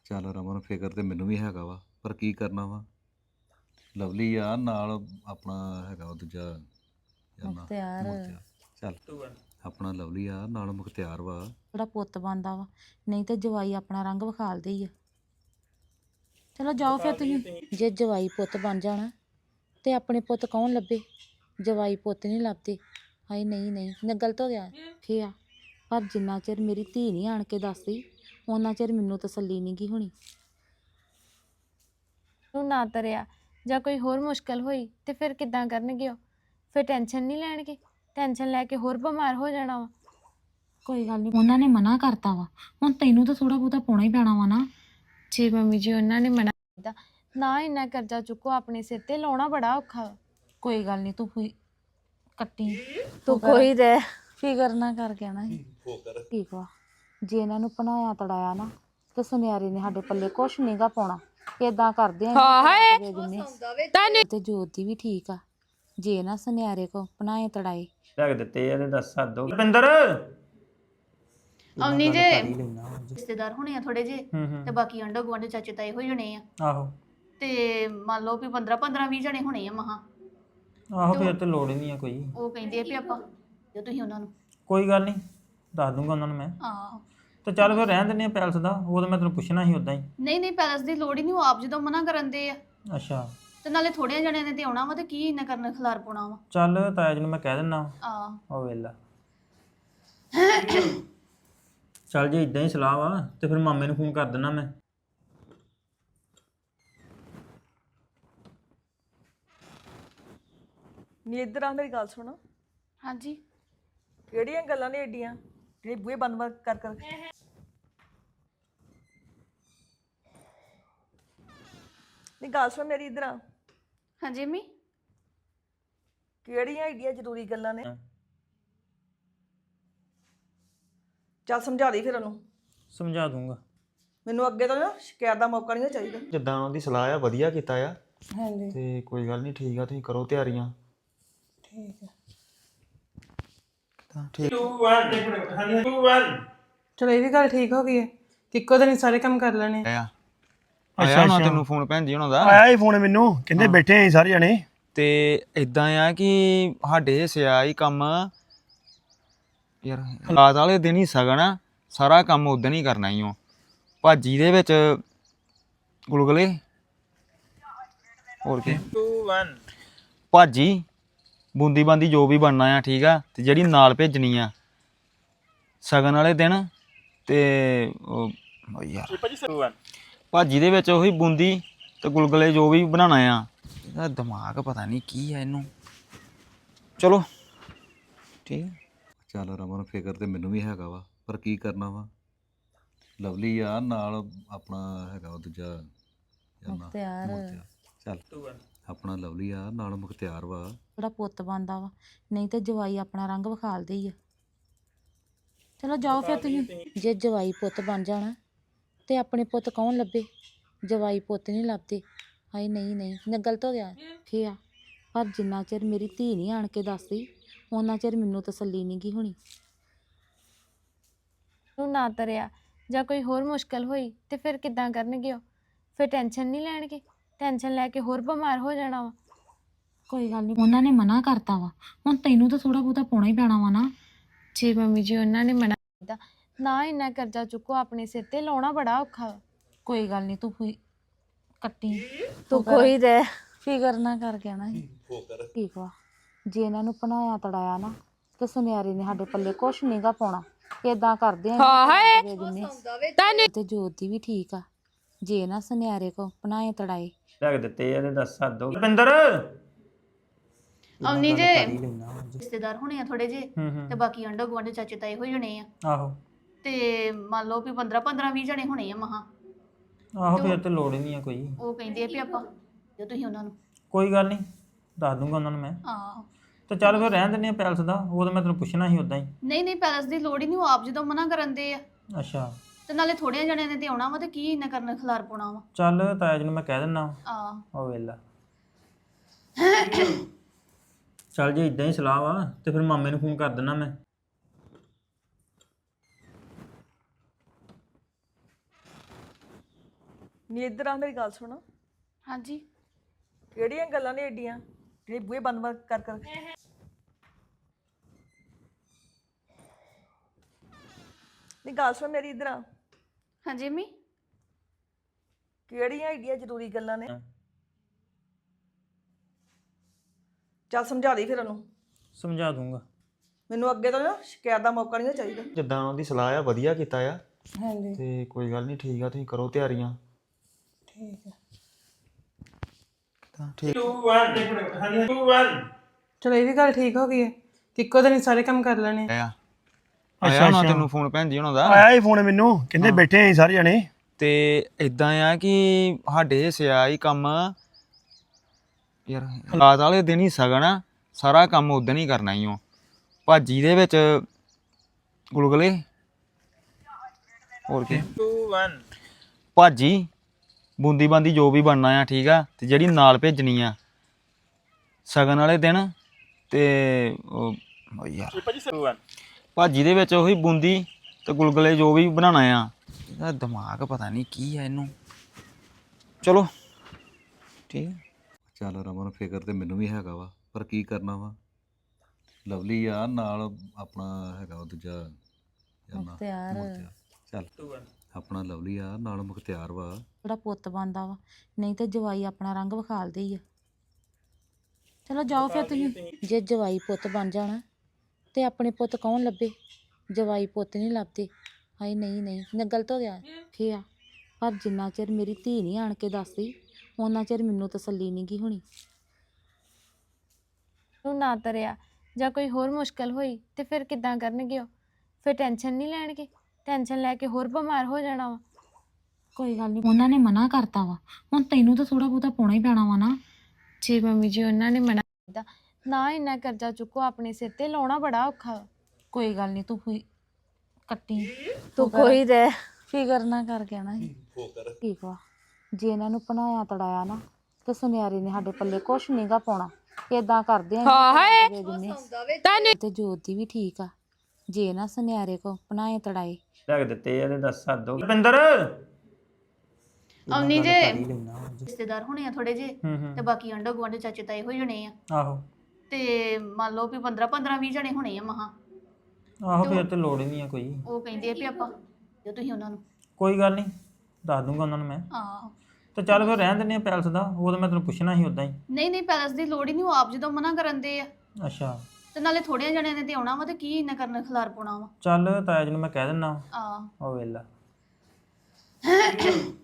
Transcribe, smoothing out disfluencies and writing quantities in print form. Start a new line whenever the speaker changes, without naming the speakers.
ਚੱਲ ਰਮਨ ਫਿਕਰ ਤੇ ਮੈਨੂੰ ਵੀ ਹੈਗਾ ਵਾ ਪਰ ਕੀ ਕਰਨਾ ਵਾ। ਲਵਲੀ ਆ ਨਾਲ ਆਪਣਾ ਹੈਗਾ ਉਹ ਦੂਜਾ ਯਾਰ ਨਾ
ਮੁਖਤਿਆਰ
ਚੱਲ ਆਪਣਾ ਲਵਲੀ ਆ ਨਾਲ ਮੁਖਤਿਆਰ ਵਾ।
ਜਿਹੜਾ ਪੁੱਤ ਬਣਦਾ ਵਾ, ਨਹੀਂ ਤੇ ਜਵਾਈ ਆਪਣਾ ਰੰਗ ਵਿਖਾਲਦੇ ਹੀ ਆ। ਚਲੋ ਜਾਓ ਫਿਰ ਤੁਸੀਂ। ਜੇ ਜਵਾਈ ਪੁੱਤ ਬਣ ਜਾਣਾ ਤੇ ਆਪਣੇ ਪੁੱਤ ਕੌਣ ਲੱਭੇ? ਜਵਾਈ ਪੁੱਤ ਨਹੀਂ ਲੱਭਦੇ। ਹਾਏ ਨਹੀਂ ਨਹੀਂ, ਮੈਂ ਗਲਤ ਹੋ ਗਿਆ ਫੇ ਆ। ਪਰ ਜਿੰਨਾ ਚਿਰ ਮੇਰੀ ਧੀ ਨਹੀਂ ਆਣ ਕੇ ਦੱਸਦੀ ਉਹਨਾਂ ਚਿਰ ਮੈਨੂੰ ਤਸੱਲੀ ਨਹੀਂ ਗੀ ਹੋਣੀ।
ਨੂੰ ਨਾ ਤਰਿਆ ਜਾਂ ਕੋਈ ਹੋਰ ਮੁਸ਼ਕਲ ਹੋਈ ਤੇ ਫਿਰ ਕਿੱਦਾਂ ਕਰਨਗੇ ਉਹ? ਫਿਰ ਟੈਨਸ਼ਨ ਨਹੀਂ ਲੈਣਗੇ? ਟੈਨਸ਼ਨ ਲੈ ਕੇ ਹੋਰ ਬਿਮਾਰ ਹੋ ਜਾਣਾ ਵਾ।
ਕੋਈ ਗੱਲ ਨਹੀਂ, ਉਹਨਾਂ ਨੇ ਮਨਾ ਕਰਤਾ ਵਾ, ਹੁਣ ਤੈਨੂੰ ਤਾਂ ਥੋੜਾ ਬਹੁਤਾ ਪਾਉਣਾ ਹੀ ਪੈਣਾ ਵਾ ਨਾ।
ਜੇ ਮੰਮੀ ਜੀ ਉਹਨਾਂ ਨੇ ਮਨਾ ਕੀਤਾ ਨਾ, ਇੰਨਾ ਕਰਜ਼ਾ ਚੁੱਕੋ ਆਪਣੇ ਸਿਰ ਤੇ, ਲਾਉਣਾ ਬੜਾ ਔਖਾ ਵਾ।
ਕੋਈ ਗੱਲ ਨਹੀਂ, ਤੂੰ ਕੱਟੀ
ਤੂੰ ਕੋਈ ਰਹਿ
ਫਿਕਰ ਨਾ ਕਰ ਕਹਿਣਾ ਸੀ ਠੀਕ ਵਾ। ਜੇ ਇਹਨਾਂ ਨੂੰ ਪਨਾਇਆ ਤੜਾਇਆ ਨਾ ਤੇ ਸੁਨਿਆਰੇ ਨੇ ਸਾਡੇ ਪੱਲੇ ਕੁਛ ਨਹੀਂਗਾ ਪਾਉਣਾ। ਏਦਾਂ ਕਰਦੇ ਆ ਤੇ ਜੋਤ ਦੀ ਵੀ ਠੀਕ ਆ। ਜੇ ਨਾ ਸੁਨਿਆਰੇ ਕੋ ਪਨਾਏ ਤੜਾਏ
ਰੱਖ ਦਿੱਤੇ ਇਹਦੇ ਦੱਸ ਹੱਦ ਹੋ ਰੁਪਿੰਦਰ
ਆਉਣੀ ਜੇ ਰਿਸ਼ਤੇਦਾਰ ਹੋਣੇ ਆ ਥੋੜੇ ਜੇ ਤੇ ਬਾਕੀ ਆਂਢ ਗੁਆਂਢ ਚਾਚੇ ਤਾਏ ਹੋ ਜਾਣੇ ਆ।
ਆਹੋ
ਤੇ ਮੰਨ ਲਓ ਵੀ 15-20 ਜਣੇ ਹੋਣੇ ਆ ਮਹਾ।
ਆਹੋ ਫਿਰ ਤੇ ਲੋੜ ਹੀ ਨਹੀਂ ਆ ਕੋਈ।
ਉਹ ਕਹਿੰਦੇ ਆ ਵੀ ਆਪਾਂ ਜੇ ਤੁਸੀਂ ਉਹਨਾਂ ਨੂੰ
ਕੋਈ ਗੱਲ ਨਹੀਂ, ਦੱਸ ਦੂੰਗਾ ਉਹਨਾਂ ਨੂੰ ਮੈਂ।
ਆਹੋ
ਤੇ ਚੱਲ ਫਿਰ ਰਹਿਣ ਦਿੰਦੇ ਆ ਪੈਲਸ ਦਾ, ਉਹ ਤਾਂ ਮੈਂ ਤੈਨੂੰ ਪੁੱਛਣਾ ਸੀ ਉਦਾਂ ਹੀ।
ਨਹੀਂ ਪੈਲਸ ਦੀ ਲੋੜ ਹੀ ਨਹੀਂ, ਉਹ ਆਪ ਜਦੋਂ ਮਨਾ ਕਰਨ ਦੇ ਆ।
ਅੱਛਾ
ਤੇ ਨਾਲੇ ਥੋੜਿਆਂ ਜਣਿਆਂ ਨੇ ਤੇ ਆਉਣਾ ਵਾ ਤੇ ਕੀ ਇੰਨਾ ਕਰਨਾ ਖਿਲਾਰ ਪਾਉਣਾ ਵਾ।
ਚੱਲ ਤਾਇਆ ਜੀ ਨੂੰ ਮੈਂ ਕਹਿ ਦਿੰਦਾ
ਆ
ਉਹ ਵੇਲਾ। ਚੱਲ ਜੇ ਇਦਾਂ ਹੀ ਸਲਾਹ ਵਾ ਤੇ ਫਿਰ ਮਾਮੇ ਨੂੰ ਫੋਨ ਕਰ ਦਿੰਦਾ ਮੈਂ।
ਨੀ ਇੱਧਰ ਆ, ਮੇਰੀ ਗੱਲ ਸੁਣ।
ਹਾਂਜੀ
ਕਿਹੜੀਆਂ ਗੱਲਾਂ ਨੇ ਏਡੀਆਂ ਜਿਹੜੇ ਬੂਹੇ ਬੰਦ ਕਰ ਕਰ ਨੀ ਗੱਲ ਸੁਣ ਮੇਰੀ, ਇੱਧਰ ਆ।
ਹਾਂਜੀ ਅੰਮੀ।
ਕਿਹੜੀਆਂ ਏਡੀਆਂ ਜ਼ਰੂਰੀ ਗੱਲਾਂ ਨੇ? ਚੱਲ ਸਮਝਾ ਦੇ ਫਿਰ ਉਹਨੂੰ।
ਸਮਝਾ ਦੂੰਗਾ।
ਮੈਨੂੰ ਅੱਗੇ ਤੋਂ ਨਾ ਸ਼ਿਕਾਇਤ ਦਾ ਮੌਕਾ ਨਹੀਂ ਚਾਹੀਦਾ।
ਜਿੱਦਾਂ ਉਹਨਾਂ ਦੀ ਸਲਾਹ ਆ ਵਧੀਆ ਕੀਤਾ ਆ।
ਹਾਂਜੀ
ਤੇ ਕੋਈ ਗੱਲ ਨਹੀਂ, ਠੀਕ ਆ, ਤੁਸੀਂ ਕਰੋ ਤਿਆਰੀਆਂ।
ਠੀਕ ਹੈ।
ਤਾਂ ਠੀਕ।
2 1 2 1
ਚਲੋ ਇਹ ਵੀ ਗੱਲ ਠੀਕ ਹੋ ਗਈ ਹੈ ਕਿ ਇੱਕੋ ਦਿਨ ਹੀ ਸਾਰੇ ਕੰਮ ਕਰ ਲੈਣੇ।
ਆਇਆ ਨਾ ਤੈਨੂੰ ਫੋਨ ਭੈਣ ਜੀ ਉਹਨਾਂ ਦਾ
ਆਇਆ ਹੀ ਫੋਨ ਮੈਨੂੰ, ਕਹਿੰਦੇ ਬੈਠੇ ਆਂ ਸਾਰੇ ਜਣੇ।
ਤੇ ਇਦਾਂ ਆ ਕਿ ਸਾਡੇ ਹਿੱਸੇ ਆ ਹੀ ਕੰਮ ਯਾਰ। ਰਾਤ ਵਾਲੇ ਦਿਨ ਹੀ ਸਗਨ ਆ, ਸਾਰਾ ਕੰਮ ਉਦੋਂ ਹੀ ਕਰਨਾ ਹੀ ਉਹ। ਭਾਜੀ ਦੇ ਵਿੱਚ ਗੁਲਗੁਲੇ ਹੋਰ ਕੀ
2 1
ਭਾਜੀ ਬੂੰਦੀ ਬਾਂਦੀ ਜੋ ਵੀ ਬਣਨਾ ਆ, ਠੀਕ ਆ। ਤੇ ਜਿਹੜੀ ਨਾਲ ਭੇਜਣੀ ਆ ਸਗਨ ਵਾਲੇ ਦਿਨ ਤੇ ਉਹ ਯਾਰ ਭਾਜੀ ਦੇ ਵਿੱਚ ਉਹੀ ਬੂੰਦੀ ਤੇ ਗੁਲਗੁਲੇ ਜੋ ਵੀ ਬਣਾਉਣਾ ਆ। ਇਹਦਾ ਦਿਮਾਗ ਪਤਾ ਨਹੀਂ ਕੀ ਆ ਇਹਨੂੰ। ਚਲੋ ਠੀਕ ਆ।
ਚੱਲ ਰਮਨ ਫਿਕਰ ਤੇ ਮੈਨੂੰ ਵੀ ਹੈਗਾ ਵਾ ਪਰ ਕੀ ਕਰਨਾ ਵਾ। ਲਵਲੀ ਆ ਨਾਲ ਆਪਣਾ ਹੈਗਾ ਉਹ ਦੂਜਾ ਯਾਰ ਨਾ
ਮੁਖਤਿਆਰ
ਚੱਲ ਆਪਣਾ ਲਵਲੀ ਆ ਨਾਲ ਮੁਖਤਿਆਰ ਵਾ।
ਜਿਹੜਾ ਪੁੱਤ ਬਣਦਾ ਵਾ, ਨਹੀਂ ਤੇ ਜਵਾਈ ਆਪਣਾ ਰੰਗ ਵਿਖਾਲਦੇ ਹੀ ਆ। ਚਲੋ ਜਾਓ ਫਿਰ ਤੁਸੀਂ। ਜੇ ਜਵਾਈ ਪੁੱਤ ਬਣ ਜਾਣਾ ਤੇ ਆਪਣੇ ਪੁੱਤ ਕੌਣ ਲੱਭੇ? ਜਵਾਈ ਪੁੱਤ ਨਹੀਂ ਲੱਭਦੇ। ਹਾਏ ਨਹੀਂ ਨਹੀਂ, ਮੈਂ ਗਲਤ ਹੋ ਗਿਆ ਫੇ ਆ। ਪਰ ਜਿੰਨਾ ਚਿਰ ਮੇਰੀ ਧੀ ਨਹੀਂ ਆਣ ਕੇ ਦੱਸਦੀ ਉਹਨਾਂ ਚਿਰ ਮੈਨੂੰ ਤਸੱਲੀ ਨਹੀਂ ਗੀ ਹੋਣੀ।
ਨੂੰ ਨਾ ਤਰਿਆ ਜਾਂ ਕੋਈ ਹੋਰ ਮੁਸ਼ਕਲ ਹੋਈ ਤੇ ਫਿਰ ਕਿੱਦਾਂ ਕਰਨਗੇ ਉਹ? ਫਿਰ ਟੈਨਸ਼ਨ ਨਹੀਂ ਲੈਣਗੇ? ਟੈਨਸ਼ਨ ਲੈ ਕੇ ਹੋਰ ਬਿਮਾਰ ਹੋ ਜਾਣਾ ਵਾ।
ਕੋਈ ਗੱਲ ਨਹੀਂ, ਉਹਨਾਂ ਨੇ ਮਨਾ ਕਰਤਾ ਵਾ, ਹੁਣ ਤੈਨੂੰ ਤਾਂ ਥੋੜਾ ਬਹੁਤਾ ਪਾਉਣਾ ਹੀ ਪੈਣਾ ਵਾ ਨਾ।
ਜੇ ਮੰਮੀ ਜੀ ਉਹਨਾਂ ਨੇ ਮਨਾ ਕੀਤਾ ਨਾ, ਇੰਨਾ ਕਰਜ਼ਾ ਚੁੱਕੋ ਆਪਣੇ ਸਿਰ ਤੇ, ਲਾਉਣਾ ਬੜਾ ਔਖਾ ਵਾ।
ਕੋਈ ਗੱਲ ਨਹੀਂ, ਤੂੰ ਕੱਟੀ
ਤੂੰ ਕੋਈ ਰਹਿ
ਫਿਕਰ ਨਾ ਕਰ ਕਹਿਣਾ ਸੀ ਠੀਕ ਵਾ। ਜੇ ਇਹਨਾਂ ਨੂੰ ਪਨਾਇਆ ਤੜਾਇਆ ਨਾ ਤੇ ਸੁਨਿਆਰੇ ਨੇ ਸਾਡੇ ਪੱਲੇ ਕੁਛ ਨਹੀਂਗਾ ਪਾਉਣਾ। ਏਦਾਂ ਕਰਦੇ ਆ ਤੇ ਜੋਤ ਦੀ ਵੀ ਠੀਕ ਆ। ਜੇ ਨਾ ਸੁਨਿਆਰੇ ਕੋ ਪਨਾਏ ਤੜਾਏ
ਰੱਖ ਦਿੱਤੇ ਇਹਦੇ ਦੱਸ ਹੱਦ ਹੋ ਰੁਪਿੰਦਰ
ਆਉਣੀ ਜੇ ਰਿਸ਼ਤੇਦਾਰ ਹੋਣੇ ਆ ਥੋੜੇ ਜੇ ਤੇ ਬਾਕੀ ਆਂਢ ਗੁਆਂਢ ਚਾਚੇ ਤਾਏ ਹੋ ਜਾਣੇ ਆ।
ਆਹੋ
ਤੇ ਮੰਨ ਲਓ ਵੀ 15-20 ਜਣੇ ਹੋਣੇ ਆ ਮਹਾ।
ਆਹੋ ਫਿਰ ਤੇ ਲੋੜ ਹੀ ਨਹੀਂ ਆ ਕੋਈ।
ਉਹ ਕਹਿੰਦੇ ਆ ਵੀ ਆਪਾਂ ਜੇ ਤੁਸੀਂ ਉਹਨਾਂ ਨੂੰ
ਕੋਈ ਗੱਲ ਨਹੀਂ, ਦੱਸ ਦੂੰਗਾ ਉਹਨਾਂ ਨੂੰ ਮੈਂ।
ਆਹੋ
ਤੇ ਚੱਲ ਫਿਰ ਰਹਿਣ ਦਿੰਦੇ ਆ ਪੈਲਸ ਦਾ, ਉਹ ਤਾਂ ਮੈਂ ਤੈਨੂੰ ਪੁੱਛਣਾ ਸੀ ਉਦਾਂ ਹੀ।
ਨਹੀਂ ਪੈਲਸ ਦੀ ਲੋੜ ਹੀ ਨਹੀਂ, ਉਹ ਆਪ ਜਦੋਂ ਮਨਾ ਕਰਨ ਦੇ ਆ।
ਅੱਛਾ
ਤੇ ਨਾਲੇ ਥੋੜਿਆਂ ਜਣਿਆਂ ਨੇ ਤੇ ਆਉਣਾ ਵਾ ਤੇ ਕੀ ਇੰਨਾ ਕਰਨਾ ਖਿਲਾਰ ਪਾਉਣਾ ਵਾ।
ਚੱਲ ਤਾਇਆ ਜੀ ਨੂੰ ਮੈਂ ਕਹਿ ਦਿੰਦਾ
ਆ
ਉਹ ਵੇਲਾ। ਚੱਲ ਜੇ ਇਦਾਂ ਹੀ ਸਲਾਹ ਵਾ ਤੇ ਫਿਰ ਮਾਮੇ ਨੂੰ ਫੋਨ ਕਰ ਦਿੰਦਾ ਮੈਂ।
ਨੀ ਇੱਧਰ ਆ ਮੇਰੀ ਗੱਲ ਸੁਣ
ਹਾਂਜੀ
ਕਿਹੜੀਆਂ ਗੱਲਾਂ ਨੇ ਏਡੀਆਂ ਜਿਹੜੇ ਬੂਹੇ ਬੰਦ ਕਰ ਕਰ ਨੀ ਗੱਲ ਸੁਣ ਮੇਰੀ ਇੱਧਰ ਆ
ਹਾਂਜੀ ਮੰਮੀ
ਕਿਹੜੀਆਂ ਏਡੀਆਂ ਜ਼ਰੂਰੀ ਗੱਲਾਂ ਨੇ ਚੱਲ ਸਮਝਾ ਦੇ ਫਿਰ ਉਹਨੂੰ
ਸਮਝਾ ਦੂੰਗਾ।
ਮੈਨੂੰ ਅੱਗੇ ਤੋਂ ਨਾ ਸ਼ਿਕਾਇਤ ਦਾ ਮੌਕਾ ਨਹੀਂ ਚਾਹੀਦਾ।
ਜਿੱਦਾਂ ਉਹਦੀ ਸਲਾਹ ਆ ਵਧੀਆ ਕੀਤਾ ਆ
ਹਾਂਜੀ
ਤੇ ਕੋਈ ਗੱਲ ਨਹੀਂ ਠੀਕ ਆ ਤੁਸੀਂ ਕਰੋ ਤਿਆਰੀਆਂ
ਠੀਕ ਹੈ
ਤਾਂ ਠੀਕ
ਚਲੋ ਇਹ ਵੀ ਗੱਲ ਠੀਕ ਹੋ ਗਈ ਹੈ ਕਿ ਇੱਕੋ ਦਿਨ ਹੀ ਸਾਰੇ ਕੰਮ ਕਰ ਲੈਣੇ ਆ।
ਆ ਆਇਆ ਨਾ ਤੈਨੂੰ ਫੋਨ ਭੈਣ ਜੀ ਉਹਨਾਂ ਦਾ
ਆਇਆ ਹੀ ਫੋਨ ਮੈਨੂੰ ਕਹਿੰਦੇ ਬੈਠੇ ਆਂ ਸਾਰੇ ਜਣੇ
ਤੇ ਇਦਾਂ ਆ ਕਿ ਸਾਡੇ ਹਿੱਸੇ ਆ ਹੀ ਕੰਮ ਯਾਰ ਰਾਤ ਵਾਲੇ ਦਿਨ ਹੀ ਸਗਨ ਆ ਸਾਰਾ ਕੰਮ ਉਦੋਂ ਹੀ ਕਰਨਾ ਹੀ ਓ ਭਾਜੀ ਦੇ ਵਿੱਚ ਗੁਲਗੁਲੇ ਹੋਰ ਕੀ ਭਾਜੀ ਬੂੰਦੀ ਬਾਂਦੀ ਜੋ ਵੀ ਬਣਨਾ ਆ ਠੀਕ ਆ ਤੇ ਜਿਹੜੀ ਨਾਲ ਭੇਜਣੀ ਆ ਸਗਨ ਵਾਲੇ ਦਿਨ ਤੇ ਉਹ ਯਾਰ ਭਾਜੀ ਦੇ ਵਿੱਚ ਉਹੀ ਬੂੰਦੀ ਤੇ ਗੁਲਗੁਲੇ ਜੋ ਵੀ ਬਣਾਉਣਾ ਆ ਇਹਦਾ ਦਿਮਾਗ ਪਤਾ ਨਹੀਂ ਕੀ ਆ ਇਹਨੂੰ ਚਲੋ ਠੀਕ ਆ।
ਚੱਲ ਰਮਨ ਫਿਕਰ ਤੇ ਮੈਨੂੰ ਵੀ ਹੈਗਾ ਵਾ ਪਰ ਕੀ ਕਰਨਾ ਵਾ ਲਵਲੀ ਆ ਨਾਲ ਆਪਣਾ ਹੈਗਾ ਉਹ ਦੂਜਾ ਯਾਰ ਨਾਂ,
ਮੁਖਤਿਆਰ।
ਚੱਲ ਆਪਣਾ ਲਵਲੀ ਆ ਨਾਲ ਮੁਖਤਿਆਰ ਵਾ
ਜਿਹੜਾ ਪੁੱਤ ਬਣਦਾ ਵਾ ਨਹੀਂ ਤੇ ਜਵਾਈ ਆਪਣਾ ਰੰਗ ਵਿਖਾਲਦੇ ਹੀ ਆ। ਚਲੋ ਜਾਓ ਫਿਰ ਤੁਸੀਂ ਜੇ ਜਵਾਈ ਪੁੱਤ ਬਣ ਜਾਣਾ ਤੇ ਆਪਣੇ ਪੁੱਤ ਕੌਣ ਲੱਭੇ ਜਵਾਈ ਪੁੱਤ ਨਹੀਂ ਲੱਭਦੇ। ਹਾਏ ਨਹੀਂ ਨਹੀਂ ਮੈਂ ਗਲਤ ਹੋ ਗਿਆ ਫੇ ਆ ਪਰ ਜਿੰਨਾ ਚਿਰ ਮੇਰੀ ਧੀ ਨਹੀਂ ਆਣ ਕੇ ਦੱਸਦੀ ਉਹਨਾਂ ਚਿਰ ਮੈਨੂੰ ਤਸੱਲੀ ਨਹੀਂ ਗੀ ਹੋਣੀ।
ਨੂੰ ਨਾ ਤਰਿਆ ਜਾਂ ਕੋਈ ਹੋਰ ਮੁਸ਼ਕਲ ਹੋਈ ਤੇ ਫਿਰ ਕਿੱਦਾਂ ਕਰਨਗੇ ਉਹ? ਫਿਰ ਟੈਨਸ਼ਨ ਨਹੀਂ ਲੈਣਗੇ, ਟੈਨਸ਼ਨ ਲੈ ਕੇ ਹੋਰ ਬਿਮਾਰ ਹੋ ਜਾਣਾ ਵਾ।
ਕੋਈ ਗੱਲ ਨਹੀਂ ਉਹਨਾਂ ਨੇ ਮਨਾ ਕਰਤਾ ਵਾ ਹੁਣ ਤੈਨੂੰ ਤਾਂ ਥੋੜਾ ਬਹੁਤਾ ਪਾਉਣਾ ਹੀ ਪੈਣਾ ਵਾ ਨਾ।
ਜੇ ਮੰਮੀ ਜੀ ਉਹਨਾਂ ਨੇ ਮਨਾ ਕੀਤਾ ਨਾ ਇੰਨਾ ਕਰਜ਼ਾ ਚੁੱਕੋ ਆਪਣੇ ਸਿਰ ਤੇ ਲਾਉਣਾ ਬੜਾ ਔਖਾ ਵਾ।
ਕੋਈ ਗੱਲ ਨਹੀਂ ਤੂੰ ਹੋਈ ਕੱਟੀ
ਤੂੰ ਕੋਈ ਰਹਿ
ਫਿਕਰ ਨਾ ਕਰ ਕਹਿਣਾ ਸੀ ਠੀਕ ਵਾ। ਜੇ ਇਹਨਾਂ ਨੂੰ ਪਨਾਇਆ ਤੜਾਇਆ ਨਾ ਤੇ ਸੁਨਿਆਰੇ ਨੇ ਸਾਡੇ ਪੱਲੇ ਕੁਛ ਨਹੀਂਗਾ ਪਾਉਣਾ। ਇਦਾਂ ਕਰਦੇ ਆ ਤੇ ਜੋਤ ਦੀ ਵੀ ਠੀਕ ਆ ਜੇ ਨਾ ਸੁਨਿਆਰੇ ਕੋ ਪਨਾਏ ਤੜਾਏ
ਲੱਗ ਦਿੱਤੇ ਇਹਦੇ ਦੱਸ ਹੱਦ ਹੋ ਰੁਪਿੰਦਰ
ਆਉਣੀ ਜੇ ਰਿਸ਼ਤੇਦਾਰ ਹੋਣੇ ਆ ਥੋੜੇ ਜੇ ਤੇ ਬਾਕੀ ਆਂਢ ਗੁਆਂਢ ਚਾਚੇ ਤਾਏ ਹੋ ਜਣੇ ਆ
ਆਹੋ
ਤੇ ਮੰਨ ਲਓ ਵੀ 15-20 ਜਣੇ ਹੋਣੇ ਆ ਮਹਾ
ਆਹੋ ਫਿਰ ਤੇ ਲੋੜ ਹੀ ਨਹੀਂ ਆ ਕੋਈ।
ਉਹ ਕਹਿੰਦੇ ਆ ਵੀ ਆਪਾਂ ਜੇ ਤੁਸੀਂ ਉਹਨਾਂ ਨੂੰ
ਕੋਈ ਗੱਲ ਨਹੀਂ ਦੱਸ ਦੂੰਗਾ ਉਹਨਾਂ ਨੂੰ ਮੈਂ।
ਆਹੋ
ਤੇ ਚੱਲ ਫਿਰ ਰਹਿਣ ਦਿੰਦੇ ਆ ਪੈਲਸ ਦਾ ਉਹ ਤਾਂ ਮੈਂ ਤੈਨੂੰ ਪੁੱਛਣਾ ਸੀ ਉਦਾਂ ਹੀ।
ਨਹੀਂ ਪੈਲਸ ਦੀ ਲੋੜ ਹੀ ਨਹੀਂ ਉਹ ਆਪ ਜਦੋਂ ਮਨਾ ਕਰਨ ਦੇ ਆ
ਅੱਛਾ
ਤੇ ਨਾਲੇ ਥੋੜਿਆਂ ਜਣਿਆਂ ਨੇ ਤੇ ਆਉਣਾ ਵਾ ਤੇ ਕੀ ਇੰਨਾ ਕਰਨਾ ਖਿਲਾਰ ਪਾਉਣਾ ਵਾ
ਚੱਲ ਤਾਇਆ ਜੀ ਨੂੰ ਮੈਂ ਕਹਿ ਦਿੰਦਾ
ਆ
ਉਹ ਵੇਲਾ